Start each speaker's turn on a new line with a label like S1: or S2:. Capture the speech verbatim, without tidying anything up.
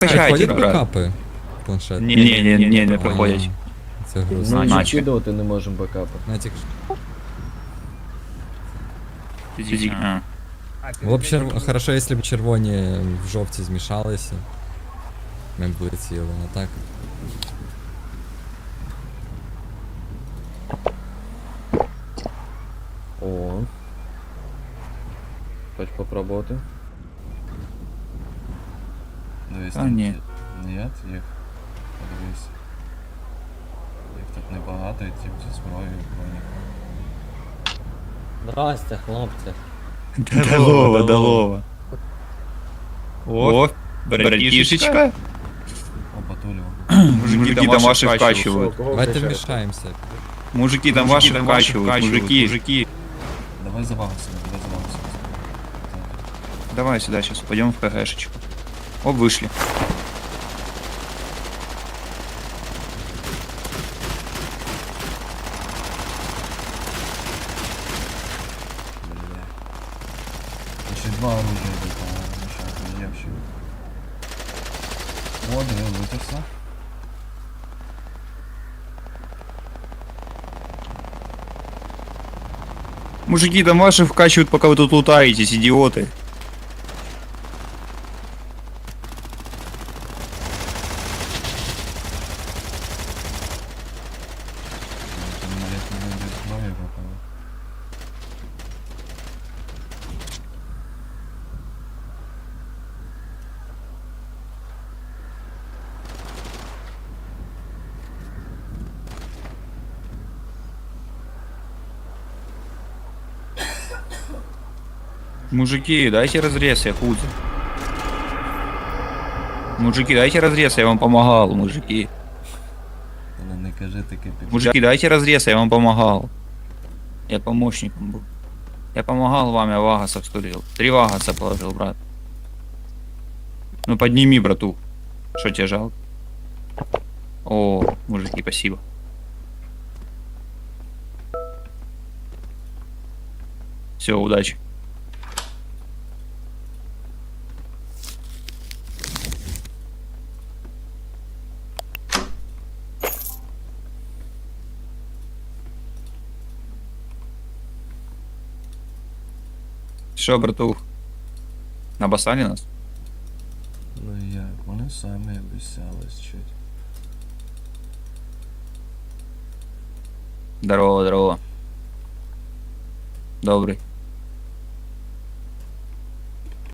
S1: Качайте,
S2: Проходять
S1: брат.
S2: бекапи? Планшет.
S1: Ні, ні, ні, ні, не проходять.
S2: Це
S3: Ну,
S2: грустно.
S3: і
S1: Наче.
S3: скидувати не можемо бекапи.
S2: Натік.
S1: Фізик, а.
S2: Було б черв... хорошо, якщо б червоні в жовті змішалися. Ми б летіли, а так.
S3: О. Хоч попробувати.
S4: Дивись,
S1: А,
S4: там
S1: ні.
S4: ті- Ні, їх. Подивись. Їх тут небагато, і ті зі зброєю броні.
S3: Здрасте, хлопці.
S1: Долова, долова. О, братишечка.
S4: Опа, Тулю.
S1: Мужики там ваши вкачивают.
S2: Давайте вмішаємося.
S1: Мужики там ваши вкачивают. Мужики, мужики.
S4: Давай завалимося, давай завалимося.
S1: Давай сюда сейчас, пойдем в КГшечку. О, вышли.
S4: Бля. Тут ще два оружия йдуть, по-моєму, ще є ще. О, диви, витягся.
S1: Мужики там ваши вкачивают, пока вы тут лутаетесь, идиоты.
S4: Там навіть не буде зброї випало.
S1: Мужики, дайте разрез, я худо. Мужики, дайте разрез, я вам помогал, мужики.
S4: Та не, не кажи таке під...
S1: Мужики, дайте разрез, я вам помогал. Я помощником был. Я помогал вам, я вагасов стурил. Три вагаса положил, брат. Ну подними, брату. Что тебе жалко? О, мужики, спасибо. Все, удачи. Що, братух? Набасали нас?
S4: Ну як, вони самі обіцялись чуть.
S1: Здорово, здорово. Добрый.